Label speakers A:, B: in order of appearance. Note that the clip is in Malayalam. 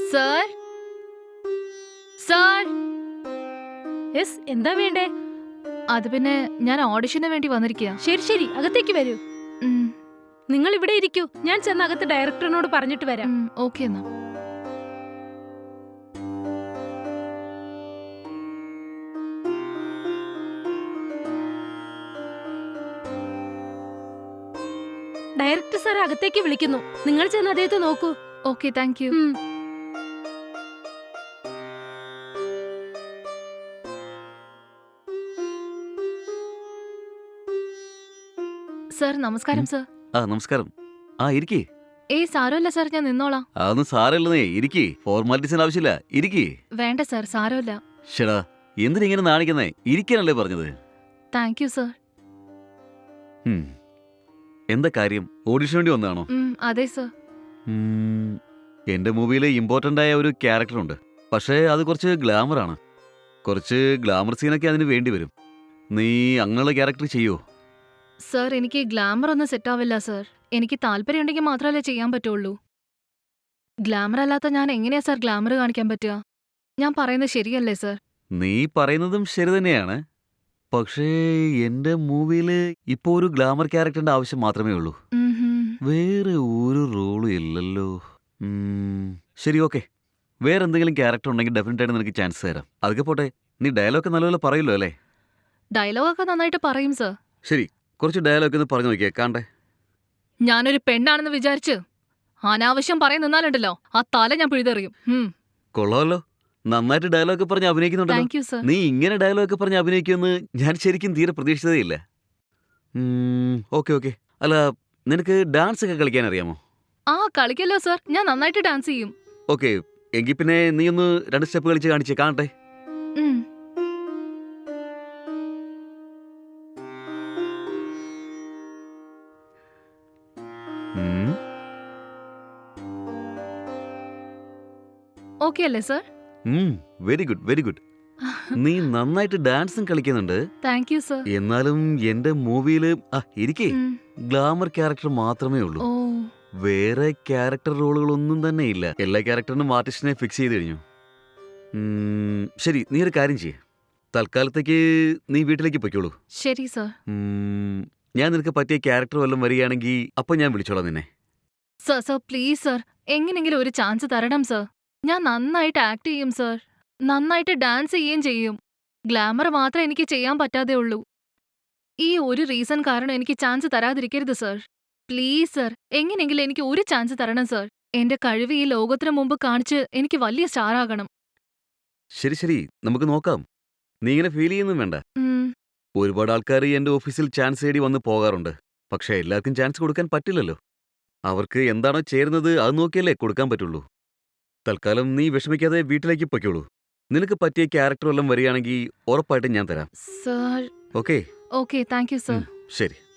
A: സർ സർ
B: യെസ്, എന്താ വേണ്ടേ?
A: അത് പിന്നെ ഞാൻ ഓഡിഷന് വേണ്ടി വന്നിരിക്കുക.
B: ശരി ശരി, അകത്തേക്ക് വരൂ. നിങ്ങൾ ഇവിടെ ഇരിക്കൂ, ഞാൻ ചെന്ന് അകത്ത് ഡയറക്ടറിനോട് പറഞ്ഞിട്ട് വരാം.
A: ഓക്കെ എന്നാ.
B: ഡയറക്ടർ സാർ അകത്തേക്ക് വിളിക്കുന്നു, നിങ്ങൾ ചെന്ന് അദ്ദേഹത്തെ നോക്കൂ.
A: Okay, thank you. സർ നമസ്കാരം. സർ
C: നമസ്കാരം. ഇരിക്കേ.
A: സാരമില്ല സർ, ഞാൻ നിന്നോളാം.
C: അതൊന്നും സാരമില്ലെന്നേ, ഇരിക്കേ. ഫോർമാലിറ്റീസിന് ആവശ്യമില്ല, ഇരിക്കേ.
A: വേണ്ട സർ, സാരമില്ല.
C: ഷടാ, എന്തിനിങ്ങനെ നാണിക്കുന്നേ? ഇരിക്കാനല്ലേ പറഞ്ഞത്.
A: Thank you sir.
C: എന്താ കാര്യം? ഓഡിഷൻ വേണ്ടി വന്നതാണോ?
A: അതെ സർ.
C: എന്റെ മൂവിയിൽ ഇമ്പോർട്ടന്റ് ആയ ഒരു ക്യാരക്ടർ ഉണ്ട്, പക്ഷേ അത് കുറച്ച് ഗ്ലാമർ ആണ്. കുറച്ച് ഗ്ലാമർ സീനൊക്കെ അതിന് വേണ്ടി വരും. നീ അങ്ങനെയുള്ള ക്യാരക്ടർ ചെയ്യോ?
A: സർ, എനിക്ക് ഗ്ലാമർ ഒന്നും സെറ്റ് ആവില്ല സർ. എനിക്ക് താല്പര്യമുണ്ടെങ്കിൽ മാത്രമല്ലേ ചെയ്യാൻ പറ്റുള്ളൂ. ഗ്ലാമർ അല്ലാത്ത ഞാൻ എങ്ങനെയാ സർ ഗ്ലാമർ കാണിക്കാൻ പറ്റുക? ഞാൻ പറയുന്നത് ശരിയല്ലേ സർ?
C: നീ പറയുന്നതും ശരി തന്നെയാണ്, പക്ഷേ എന്റെ മൂവിയിൽ ഇപ്പോ ഒരു ഗ്ലാമർ ക്യാരക്ടറിന്റെ ആവശ്യം മാത്രമേ ഉള്ളൂ. വേറെ ഒരു റോളും ഇല്ലല്ലോ. ശരി, ഓക്കെ. വേറെ എന്തെങ്കിലും ക്യാരക്ടർ ഉണ്ടെങ്കിൽ ഡെഫിനറ്റ് ആയിട്ട് നിനക്ക് ചാൻസ് തരാം. അതൊക്കെ പോട്ടെ, നീ ഡയലോഗ് നല്ലപോലെ പറയല്ലോ അല്ലേ?
A: ഡയലോഗൊക്കെ നന്നായിട്ട് പറയും സർ.
C: ശരി, കുറച്ച് ഡയലോഗ് ഒന്ന് പറഞ്ഞു നോക്കിയേ, കാണട്ടെ.
A: ഞാനൊരു പെണ്ണാണെന്ന് വിചാരിച്ച് അനാവശ്യം പറയാൻ നിന്നാലുണ്ടല്ലോ, ആ തല ഞാൻ പിഴുതെറിയും.
C: കൊള്ളാമല്ലോ, നന്നായിട്ട് ഡയലോഗ് പറഞ്ഞ് അഭിനയിക്കുന്നുണ്ടല്ലോ.
A: Thank you sir.
C: നീ ഇങ്ങനെ ഡയലോഗ് പറഞ്ഞ് അഭിനയിക്കുമെന്ന് ഞാൻ ശരിക്കും തീരെ പ്രതീക്ഷിച്ചതേ ഇല്ല. Okay okay. അല്ല, നിനക്ക് ഡാൻസ് ഒക്കെ കളിക്കാൻ അറിയാമോ?
A: കളിക്കല്ലോ സർ, ഞാൻ നന്നായിട്ട് ഡാൻസ് ചെയ്യും.
C: ഓക്കെ, എങ്കിൽ പിന്നെ നീ ഒന്ന് 2 സ്റ്റെപ്പ് കളിച്ച് കാണിച്ചേ, കാണട്ടെ.
A: ഓക്കെ അല്ലേ sir?
C: Very good, very good. നീ നന്നായിട്ട് ഡാൻസും കളിക്കുന്നുണ്ട്.
A: Thank you sir.
C: എന്നാലും എന്റെ മൂവിയില് ഇരിക്കേ ഗ്ലാമർ ക്യാരക്ടർ മാത്രമേ ഉള്ളൂ. വേറെ ക്യാരക്ടർ റോളുകളൊന്നും തന്നെ ഇല്ല. എല്ലാ ക്യാരക്ടറിനും ആർട്ടിസ്റ്റിനെ ഫിക്സ് ചെയ്ത് കഴിഞ്ഞു. ശരി, നീ ഒരു കാര്യം ചെയ്യേ, തൽക്കാലത്തേക്ക് നീ വീട്ടിലേക്ക് പൊയ്ക്കോളൂ.
A: ശരി സർ.
C: ഞാൻ നിനക്ക് പറ്റിയ ക്യാരക്ടർ വല്ലതും വരികയാണെങ്കിൽ അപ്പൊ ഞാൻ വിളിച്ചോളാം നിന്നെ.
A: സർ സർ പ്ലീസ് സർ, എങ്ങനെങ്കിലും ഒരു ചാൻസ് തരണം സർ. ഞാൻ നന്നായിട്ട് ആക്ട് ചെയ്യും സർ, നന്നായിട്ട് ഡാൻസ് ചെയ്യുകയും ചെയ്യും. ഗ്ലാമർ മാത്രമേ എനിക്ക് ചെയ്യാൻ പറ്റാതെ ഉള്ളൂ. ഈ ഒരു റീസൺ കാരണം എനിക്ക് ചാൻസ് തരാതിരിക്കരുത് സർ. പ്ലീസ് സർ, എങ്ങനെയെങ്കിലും എനിക്ക് ഒരു ചാൻസ് തരണം സർ. എന്റെ കഴിവ് ഈ ലോകത്തിന് മുമ്പ് കാണിച്ച് എനിക്ക് വലിയ സ്റ്റാർ ആകണം.
C: ശരി ശരി, നമുക്ക് നോക്കാം. നീ ഇങ്ങനെ ഫീൽ ചെയ്യുന്നും വേണ്ട. ഒരുപാട് ആൾക്കാർ എന്റെ ഓഫീസിൽ ചാൻസ് തേടി വന്ന് പോകാറുണ്ട്. പക്ഷെ എല്ലാവർക്കും ചാൻസ് കൊടുക്കാൻ പറ്റില്ലല്ലോ. അവർക്ക് എന്താണോ ചേരുന്നത് അത് നോക്കിയല്ലേ കൊടുക്കാൻ പറ്റുള്ളൂ. തൽക്കാലം നീ വിഷമിക്കാതെ വീട്ടിലേക്ക് പൊയ്ക്കോളൂ. നിനക്ക് പറ്റിയ ക്യാരക്ടർ വല്ലതും വരികയാണെങ്കിൽ ഉറപ്പായിട്ടും ഞാൻ തരാം.
A: Sir.
C: Okay?
A: Okay, thank you sir.
C: ശരി.